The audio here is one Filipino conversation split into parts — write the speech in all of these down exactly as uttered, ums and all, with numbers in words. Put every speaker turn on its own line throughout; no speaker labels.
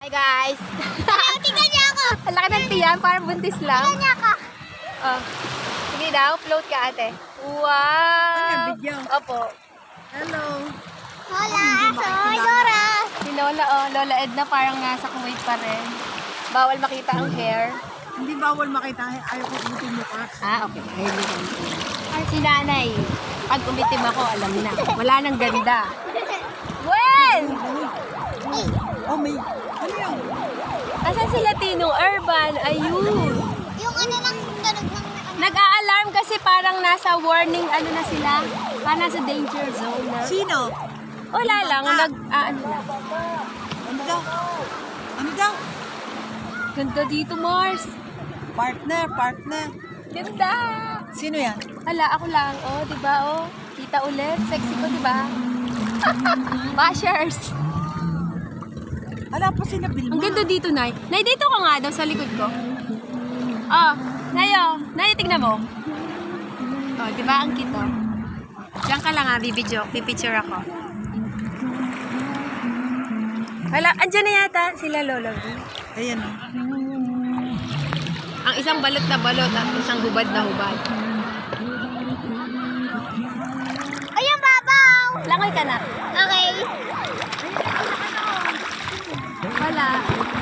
Hi guys!
Tingnan niya ako!
Ang laki ng tiyan, parang buntis lang.
Tingnan niya ako!
Oh. Sige daw, float ka ate. Wow!
Ano, video?
Opo.
Hello.
Hola! Soy Dora!
Si Lola, oh, Lola Edna parang nasa Kuwait pa rin. Bawal makita ang hair.
Hindi bawal makita. Ayaw ko umitin mukha.
Ah, okay. Ayun yun. Si nanay, pag umitim ako, alam na. Wala nang ganda. Gwen!
Oh, may... Ano yun?
Asan si Latino Urban? Ayun.
Yung ano lang, tunog ng...
Nag-a-alarm kasi parang nasa warning, ano na sila? Parang nasa danger zone na.
Sino?
Wala lang, nag, ah, ano lang.
Ano daw? Ano daw?
Ganda dito, Mars.
Partner, partner.
Ganda.
Sino yan?
Hala, ako lang. Oh, di ba? Oh, kita ulit. Sexy ko, di ba? Bashers.
Ala pa sila Bilma.
Ang ganda dito, Nay. Nay, dito ka nga daw sa likod ko. Oh, Nay, oh. Nay, tignan mo. Oh, di ba? Ang cute, oh. Diyan ka lang, ha. Bibidyo. Pipicture ako. Wala, andyan na yata sila Lolo.
Ayan o.
Ang isang balot na balot at isang hubad na hubad.
Ayun, babaw!
Langoy ka na.
Okay.
Wala.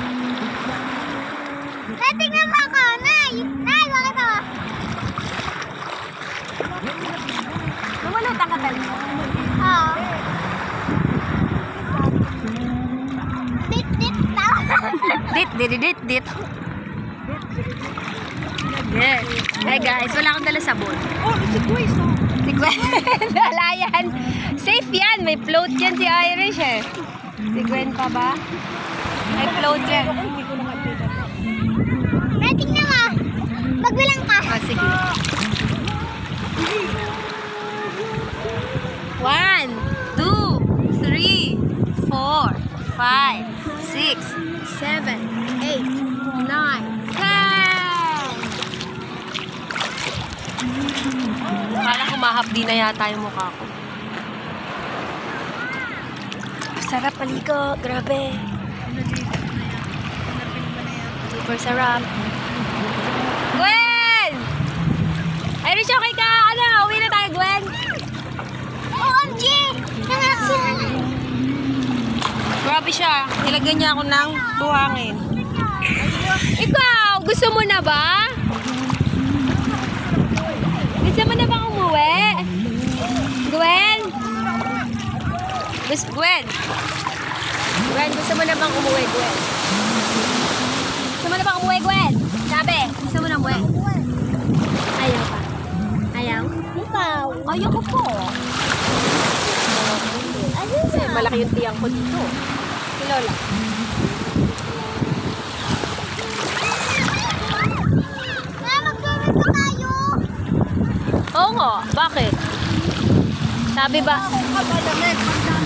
Nay, tingnan mo ako! Nay! Nay, bakit ako?
Lumulutang ka talaga.
Oo. Dit, dit, tao.
Dit, dit, dit, dit. Yes. Hey guys, wala akong dala sabon.
Oh, si Grace oh.
Si Gwen, wala yan. Safe yan. May float yan si Irish eh. Si Gwen pa ba? May float yan.
Nay, tingnan mo. Magbilang ka.
Ah, sige. One, two, three, four, five, six, seven, eight, nine, ten. Parang humahapdi na yata yung mukha ko. Sarap paligo, grabe. Super sarap. Gwen! Irish, okay ka? Ano? Uwi na tayo, Gwen?
O M G! Nanganak sila.
Grabe siya. Nilagyan niya ako ng buhangin. Ikaw, gusto mo na ba? Gusto mo na bang umuwi? Gwen? Gusto, Gwen? Gwen, gusto mo na bang umuwi, Gwen? Gusto mo na bang umuwi, Gwen? Sabi, gusto mo na umuwi? Ayaw pa. Ayaw?
Ikaw.
Ayaw ko po.
Ayun
Kasi malaki yung tiyang ko dito. Si Lola.
Na, mag-swimming pa tayo.
Oo nga, bakit? Sabi ba?
Ako ka malamig.